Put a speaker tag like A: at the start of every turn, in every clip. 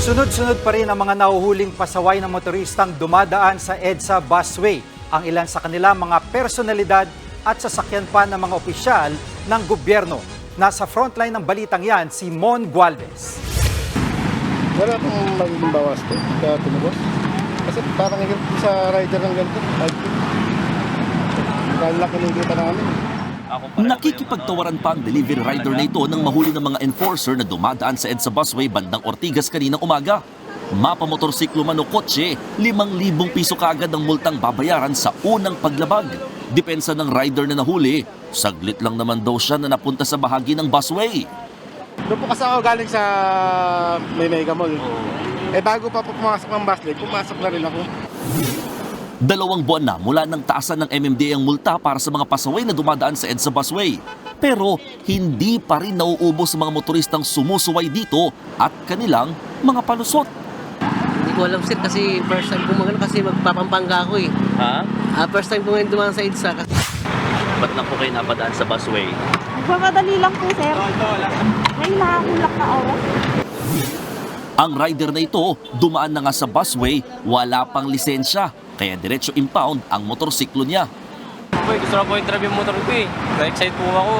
A: Sunod-sunod pa rin ang mga nahuhuling pasaway ng motoristang dumadaan sa EDSA busway. Ang ilan sa kanila mga personalidad at sasakyan pa ng mga opisyal ng gobyerno. Nasa frontline ng balitang yan si Mon Gualvez.
B: Wala pong magiging bawas ko, kaya tumubos. Kasi parang sa rider ng ganito, 5K. Dahil lang kinikita namin.
C: Nakikipagtawaran pa ang delivery rider na ito nang mahuli ng mga enforcer na dumadaan sa EDSA busway bandang Ortigas kaninang umaga. Mapamotorsiklo man o kotse, 5,000 piso kaagad ang multang babayaran sa unang paglabag. Depensa ng rider na nahuli, saglit lang naman daw siya na napunta sa bahagi ng busway.
B: Doon po kasi ako galing sa may Mega Mall. Bago pa po pumasok ng busway, pumasok na rin ako.
C: 2 buwan na mula nang taasan ng MMDA ang multa para sa mga pasaway na dumadaan sa EDSA busway. Pero hindi pa rin nauubos sa mga motoristang sumusuway dito at kanilang mga palusot.
D: Hindi ko alam sir kasi first time ko kasi magpapampanga ako eh.
C: Ha?
D: First time ko dumaan sa EDSA.
C: Ba't lang po kayo napadaan sa busway?
E: Magmamadali lang po, sir. May nakakulak na oras.
C: Ang rider na ito dumaan na nga sa busway, wala pang lisensya. Kaya diretso impound ang motorsiklo niya.
F: Boy, gusto na po i-drive yung motor ko eh. Na-excite po ako.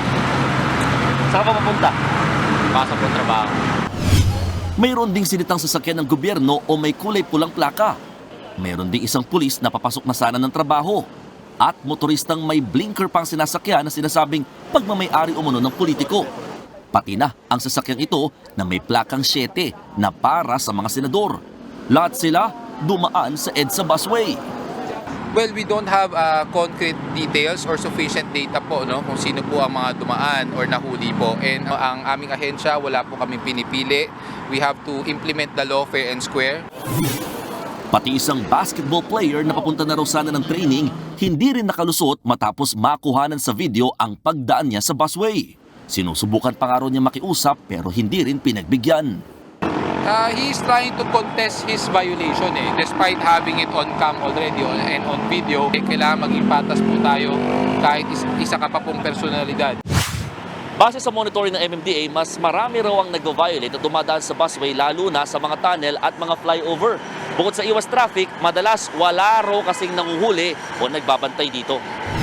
F: Saan ka papunta? Pasok po trabaho.
C: Mayroon ding sinitang sasakyan ng gobyerno o may kulay pulang plaka. Mayroon ding isang pulis na papasok na sana ng trabaho. At motoristang may blinker pang sinasakyan na sinasabing pagmamay-ari umano ng politiko. Pati na ang sasakyang ito na may plakang 7 na para sa mga senador. Lahat sila dumaan sa EDSA busway.
G: Well, we don't have concrete details or sufficient data po kung sino po ang mga dumaan or nahuli po. And ang aming ahensya, wala po kami pinipili. We have to implement the law fair and square.
C: Pati isang basketball player na papunta na raw sana ng training, hindi rin nakalusot matapos makuhanan sa video ang pagdaan niya sa busway. Sinusubukan pa nga raw niya makiusap pero hindi rin pinagbigyan.
G: He is trying to contest his violation despite having it on cam already and on video. Kailangan maging patas po tayo kahit isa ka pa pong personalidad.
C: Base sa monitoring ng MMDA, mas marami raw ang nag-violate at dumadaan sa busway lalo na sa mga tunnel at mga flyover. Bukod sa iwas traffic, madalas wala raw kasing nanguhuli o nagbabantay dito.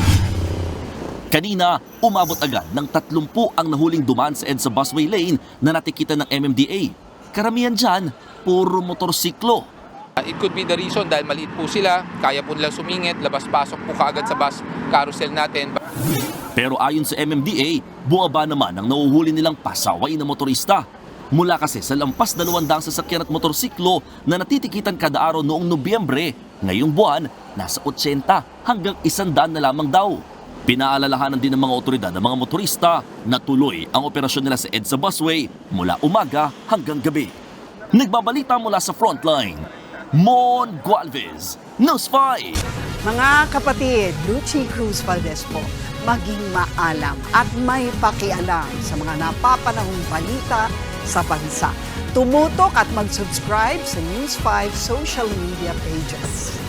C: Kanina, umabot agad ng 30 ang nahuling dumaan sa EDSA busway lane na natikita ng MMDA. Karamihan dyan, puro motorsiklo.
G: It could be the reason dahil maliit po sila, kaya po nilang sumingit, labas-pasok po kaagad sa bus carousel natin.
C: Pero ayon sa MMDA, buwaba naman ang nahuhuli nilang pasaway na motorista. Mula kasi sa lampas 200 sasakyan at motorsiklo na natitikitan kada araw noong Nobyembre, ngayong buwan, nasa 80 hanggang 100 na lamang daw. Pinaalalahanan din ng mga otoridad ng mga motorista na tuloy ang operasyon nila sa EDSA busway mula umaga hanggang gabi. Nagbabalita mula sa frontline, Mon Gualvez, News 5.
H: Mga kapatid, Lucy Cruz Valdez po, maging maalam at may pakialam sa mga napapanahong balita sa bansa. Tumutok at mag-subscribe sa News 5 social media pages.